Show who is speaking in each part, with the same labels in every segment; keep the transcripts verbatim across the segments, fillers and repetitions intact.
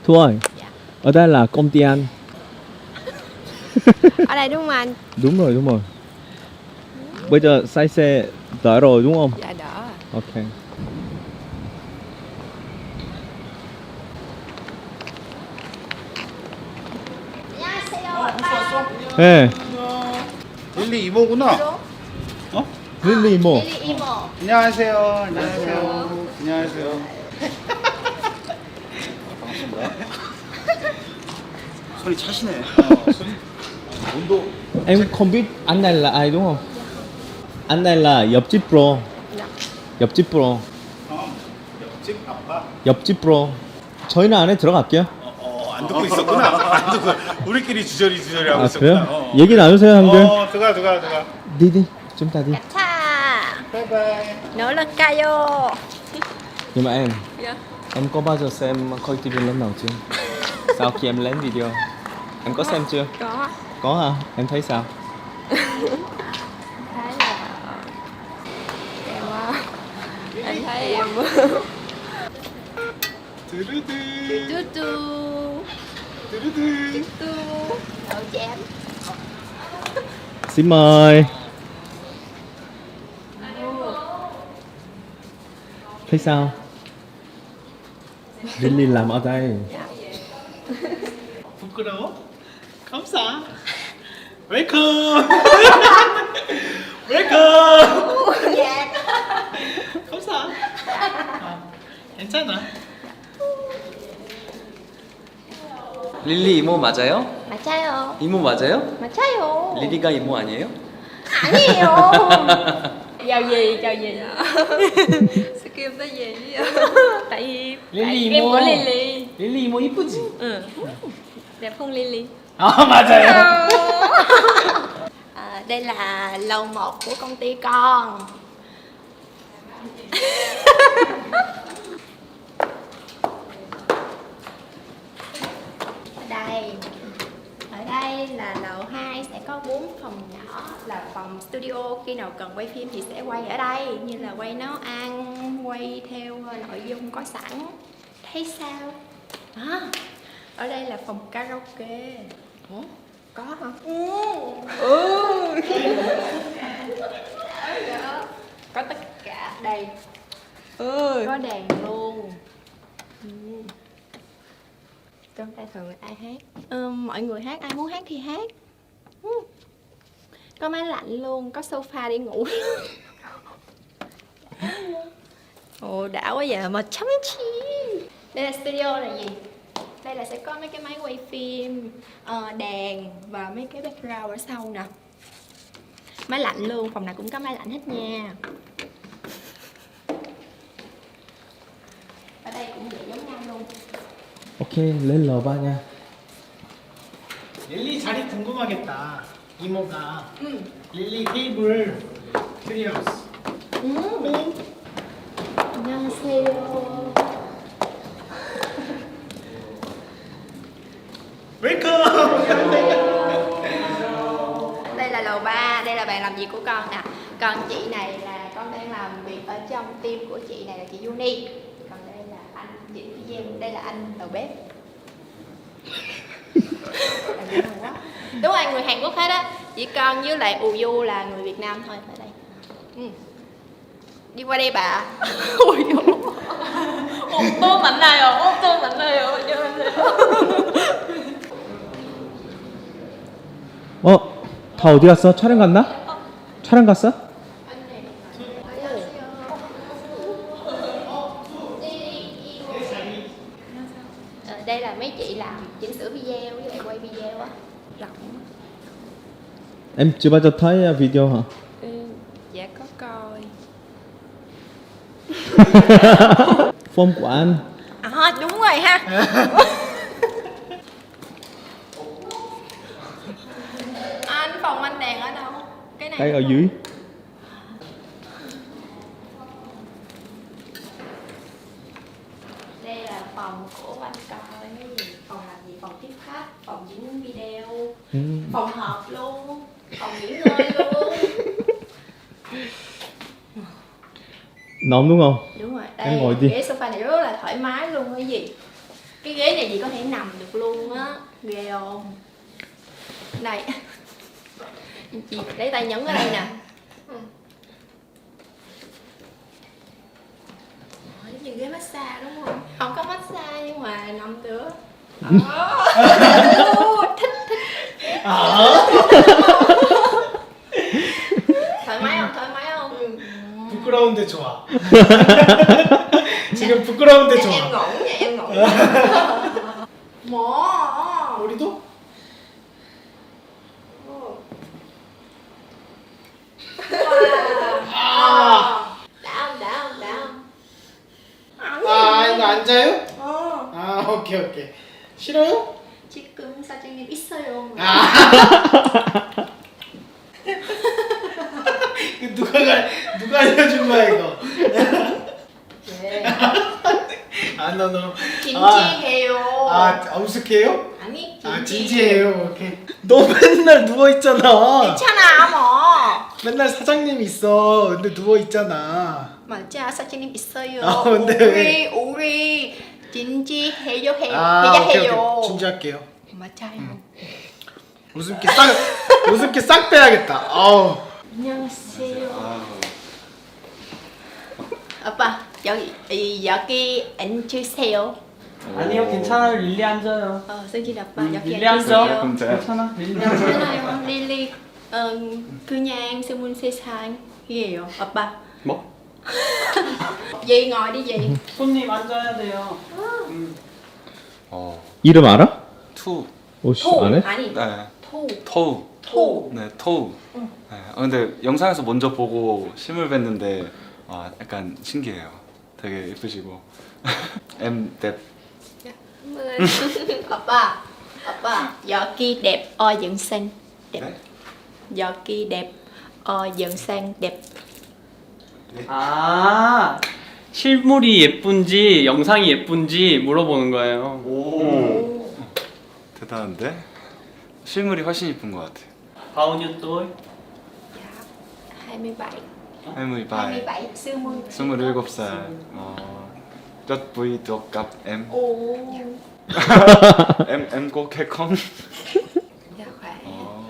Speaker 1: Thu ơi,
Speaker 2: Dạ.
Speaker 1: ở đây là công ty anh.
Speaker 2: Ở đây đúng không anh?
Speaker 1: Đúng rồi, đúng rồi. Bây giờ say xe đỡ rồi đúng không?
Speaker 2: Dạ đỡ.
Speaker 1: Ok. 네.
Speaker 3: 릴리 이모구나. 어?
Speaker 1: 릴리 이모.
Speaker 2: Lily Imo.
Speaker 3: 안녕하세요. 안녕하세요. 안녕하세요. 반갑습니다. 손이 차시네. 어, 손이 온도.
Speaker 1: Em không biết anh này là ai đúng không? Anh này là 옆집 pro.
Speaker 2: Dạ.
Speaker 1: 옆집 pro.
Speaker 3: 어, 옆집 아빠.
Speaker 1: 옆집 pro. 저희는 안에 들어갈게요.
Speaker 3: 어, 어, 안 듣고 있었구나. 안 듣고. 우리끼리 주저리 주저리 하고
Speaker 1: 아
Speaker 3: 있었구나.
Speaker 1: 그래요?
Speaker 3: 어.
Speaker 1: 얘기 나누세요 형들.
Speaker 3: 어, 들어가 들어가 들어가.
Speaker 1: đi đi, chúng ta đi.
Speaker 2: Cha.
Speaker 3: 바이바이.
Speaker 2: Nỗ lực Kayo.
Speaker 1: Nhưng mà em,
Speaker 2: Dạ.
Speaker 1: em có bao giờ xem coi ti vi lần nào chưa? Sau khi em lên video, em có xem chưa?
Speaker 2: Có.
Speaker 1: Có hả? Em thấy sao?
Speaker 2: Thấy là em ờ, anh thấy em
Speaker 3: 드르드.
Speaker 2: tu tu
Speaker 3: 드르드.
Speaker 2: tu đậu chém.
Speaker 1: Xin mời. Thấy sao? Lily làm ở đây.
Speaker 3: 부끄러워? 감사. 웰컴. 웰컴.
Speaker 2: Dạ.
Speaker 3: 감사. 아, 괜찮아.
Speaker 4: 릴리 이모 맞아요?
Speaker 2: 맞아요.
Speaker 4: 이모 맞아요?
Speaker 2: 맞아요.
Speaker 4: 리리가 이모 아니에요?
Speaker 2: 아니에요. Chào gì, chào gì. Sao kêu tới gì? Tại vì
Speaker 4: Lily
Speaker 2: tại em
Speaker 4: Imo.
Speaker 2: của Lily.
Speaker 4: 릴리 이모 이쁘지?
Speaker 2: Ừ. Đẹp hơn Lily.
Speaker 4: 아 맞아요.
Speaker 2: À, đây là lầu một của công ty con. Ở đây, ở đây là lầu hai sẽ có bốn phòng nhỏ là phòng studio, khi nào cần quay phim thì sẽ quay ở đây, như là quay nấu ăn, quay theo nội dung có sẵn. Thấy sao? À, ở đây là phòng karaoke. Ủa? Có hả? Ừ. Có tất cả đây. Ừ. Có đàn luôn. Ừ. Trong tay thường ai hát? Ừ, mọi người hát, ai muốn hát thì hát. Ừ. Có máy lạnh luôn, có sofa để ngủ. Ồ đã quá vậy mà chấm chi. Đây là studio là gì? Đây là sẽ có mấy cái máy quay phim, uh, đèn và mấy cái background ở sau nè. Máy lạnh luôn, phòng nào cũng có máy lạnh hết nha. Ở đây cũng vậy giống nhau luôn.
Speaker 1: Ok, lên lầu ba nha.
Speaker 5: 릴리 자리 궁금하겠다. 이모가
Speaker 2: Ừ.
Speaker 5: 릴리 테이블 트리어스.
Speaker 2: Ừ. 안녕하세요.
Speaker 5: 웰컴.
Speaker 2: Đây là lầu ba, đây là bàn làm việc của con nè. Còn chị này là con đang làm việc ở trong team của chị này là chị Uni. Còn đây là anh diễn video, đây là anh đầu bếp. Là người Hàn Quốc. Đúng rồi, người Hàn Quốc hết á. Chỉ con với lại Ù Du là người Việt Nam thôi ở đây. Ừ. Đi qua đây bà. Ui dồi. 또 만나요. 또 만나요. 안녕하세요.
Speaker 1: 어? 다 어디 갔어? 촬영 갔나? 촬영 갔어?
Speaker 2: Ờ, đây là mấy chị làm chỉnh sửa video với lại quay video á. Rộng.
Speaker 1: Em chưa bao giờ thấy video hả?
Speaker 2: Ừ, dạ có coi.
Speaker 1: Form của anh.
Speaker 2: À đúng rồi ha. Anh phòng anh đèn ở đâu? Cái này.
Speaker 1: Đây ở dưới.
Speaker 2: Đây là phòng của anh coi cái gì? Phòng làm gì? Phòng tiếp khách, phòng diễn video,
Speaker 1: Ừ.
Speaker 2: phòng họp luôn, phòng nghỉ ngơi luôn.
Speaker 1: Nóng đúng không?
Speaker 2: Đúng rồi,
Speaker 1: Em
Speaker 2: đây
Speaker 1: ngồi đi.
Speaker 2: ghế sofa này rất là thoải mái luôn cái gì. Cái ghế này chị có thể nằm được luôn á, ghê không? Đây, chị lấy tay nhấn ở đây nè. Ủa, giống như ghế massage đúng không? Không có massage nhưng mà nằm được. Ồ, thích thích. thoải mái không? thoải mái không?
Speaker 5: 부끄러운데 좋아. 지금 부끄러운데
Speaker 2: Em
Speaker 5: 좋아.
Speaker 2: ngủ nha, em ngủ. Mỏ.
Speaker 5: 우리도?
Speaker 2: 아. đã không? đã không? đã không?
Speaker 5: 아 이거 앉아요?
Speaker 2: 어.
Speaker 5: 아 오케이 오케이. 싫어요?
Speaker 2: 지금 사장님 있어요.
Speaker 5: 아. 이거 누가 가, 누가 알려준 거야 이거?
Speaker 2: 네.
Speaker 5: 아, 너, 너.
Speaker 2: 진지해요.
Speaker 5: 아, 아, 우스해요?
Speaker 2: 아니,
Speaker 5: 아,
Speaker 2: 진지.
Speaker 5: 진지해요. 오케이. 너 맨날 누워 있잖아.
Speaker 2: 괜찮아, 뭐.
Speaker 5: 맨날 사장님 있어. 근데 누워 있잖아.
Speaker 2: 맞아, 사장님 있어요.
Speaker 5: 아, 근데
Speaker 2: 우리
Speaker 5: 왜?
Speaker 2: 우리 진지해요, 해,
Speaker 5: 아,
Speaker 2: 해야
Speaker 5: 오케이,
Speaker 2: 해요.
Speaker 5: 오케이. 진지할게요.
Speaker 2: 맞아요.
Speaker 5: 웃음기 싹, 웃음기 싹 빼야겠다. 아우.
Speaker 2: 안녕하세요. 아빠, 여기 이, 여기 앉으세요.
Speaker 4: 아니요, 괜찮아요. 릴리 앉아요.
Speaker 2: 어, 승진 아빠
Speaker 4: 음,
Speaker 2: 여기
Speaker 4: 릴리 앉아.
Speaker 2: 앉으세요.
Speaker 4: 괜찮아. 릴리 앉아.
Speaker 2: 괜찮아요, 릴리. 어, 그냥 스물 세 살이에요, 아빠.
Speaker 4: 뭐?
Speaker 2: Dì ngồi đi dì.
Speaker 4: 손님 앉아야 돼요.
Speaker 1: 어,
Speaker 6: 이름 알아?
Speaker 1: 투.
Speaker 6: 오씨
Speaker 2: 토
Speaker 6: 안 해?
Speaker 2: 아니
Speaker 1: 네.
Speaker 2: 토.
Speaker 1: 토우.
Speaker 2: 토.
Speaker 1: 네, 토우. 네. 아, 근데 영상에서 먼저 보고 실물 뵀는데 아, 약간 신기해요. 되게 예쁘시고. em đẹp.
Speaker 2: 아빠, 아빠 여기 đẹp, 어 dựng xanh đẹp.
Speaker 1: 네?
Speaker 2: 여기 đẹp, 어 dựng xanh đẹp.
Speaker 7: 아 실물이 예쁜지 영상이 예쁜지 물어보는 거예요.
Speaker 1: 오. 대단한데? 실물이 훨씬 이쁜 것 같아.
Speaker 7: Bao nhiêu tuổi?
Speaker 2: hai mươi bảy.
Speaker 1: hai mươi
Speaker 2: hai mươi
Speaker 1: bảy.
Speaker 2: bảy, 스물.
Speaker 1: 스물일곱 살. 어. Rất vui được gặp em.
Speaker 2: 오.
Speaker 1: em em có kết hôn.
Speaker 2: Dạ khỏe.
Speaker 1: 어.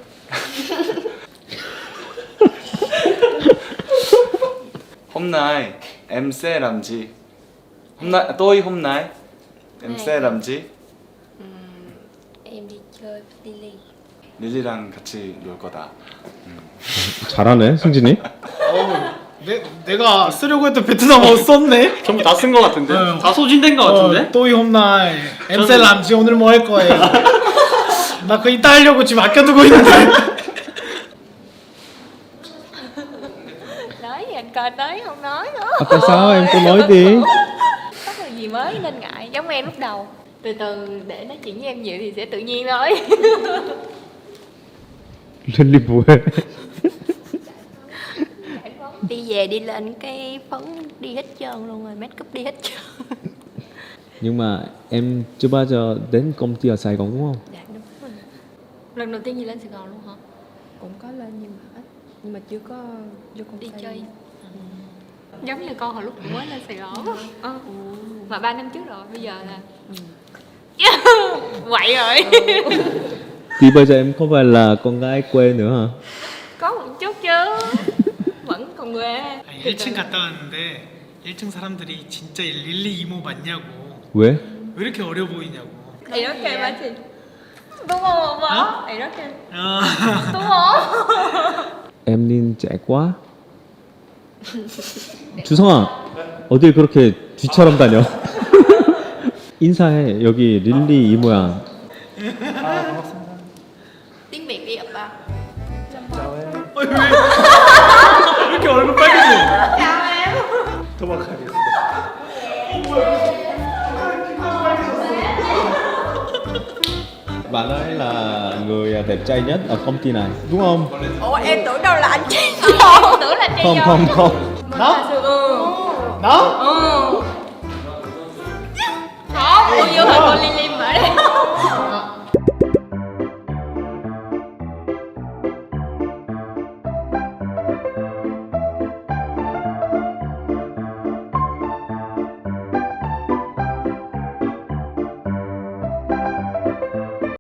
Speaker 1: Hôm nay em sẽ làm gì? Hôm nay tôi hôm nay em sẽ làm gì?
Speaker 2: Em đi chơi với Lily.
Speaker 1: 릴리랑 같이 놀 거다.
Speaker 6: 잘하네 승진이.
Speaker 5: 어우, 내, 내가 쓰려고 했던 베트남어 썼네?
Speaker 7: 전부 다 쓴 거 같은데?
Speaker 5: 어.
Speaker 7: 다 소진된 거 같은데?
Speaker 5: 어, 또이 홈날. 엠셀 람지 오늘 뭐 할 거예요? 나 그거 이따 하려고 지금 아껴두고 있는데.
Speaker 8: Nói gì anh coi tới không nói nữa.
Speaker 6: À, tại sao em cứ nói đi.
Speaker 8: Có điều gì mới nên ngại, giống em lúc đầu. Từ từ để nói chuyện với em nhiều thì sẽ tự nhiên thôi.
Speaker 6: 릴리 뭐해?
Speaker 2: Đi về đi lên cái phấn đi hết trơn luôn rồi, make up đi hết trơn.
Speaker 6: Nhưng mà em chưa bao giờ đến công ty ở Sài Gòn đúng không?
Speaker 2: Dạ đúng rồi.
Speaker 8: Lần đầu tiên gì lên Sài Gòn luôn hả?
Speaker 9: Cũng có lên nhưng mà ít, nhưng mà chưa có vô công ty.
Speaker 8: Đi chơi. Giống như con hồi lúc mới lên Sài Gòn. Ờ. Mà ba năm trước rồi, bây giờ là quậy rồi.
Speaker 6: Thì bây giờ em không phải là con gái quê nữa hả?
Speaker 8: Có một chút chứ. Vẫn còn quê.
Speaker 5: 아니, 일 층 갔다 왔는데 일 층 사람들이 진짜 릴리 이모 맞냐고.
Speaker 6: 왜?
Speaker 5: 왜 이렇게 어려 보이냐고.
Speaker 8: 이렇게 마치 đúng không bố? 이렇게
Speaker 5: 어.
Speaker 8: đúng không?
Speaker 6: Em nhìn trẻ quá. 주성아 어딜 그렇게 쥐처럼 다녀? 인사해. 여기 릴리 이모야.
Speaker 2: Tiếng Việt đi 아빠.
Speaker 5: 어, 왜? 왜 이렇게 얼굴 빨개져?
Speaker 2: Chào em.
Speaker 3: 도박하겠습니다.
Speaker 6: Bạn ấy là người đẹp trai nhất ở công ty này đúng không?
Speaker 2: Ủa em tưởng đâu là anh chị.
Speaker 8: Tưởng là chị
Speaker 6: Không
Speaker 8: rồi.
Speaker 6: không không.
Speaker 5: 나?
Speaker 8: Ừ.
Speaker 5: 나?
Speaker 8: Ừ. Không, bao nhiêu hồi con Lily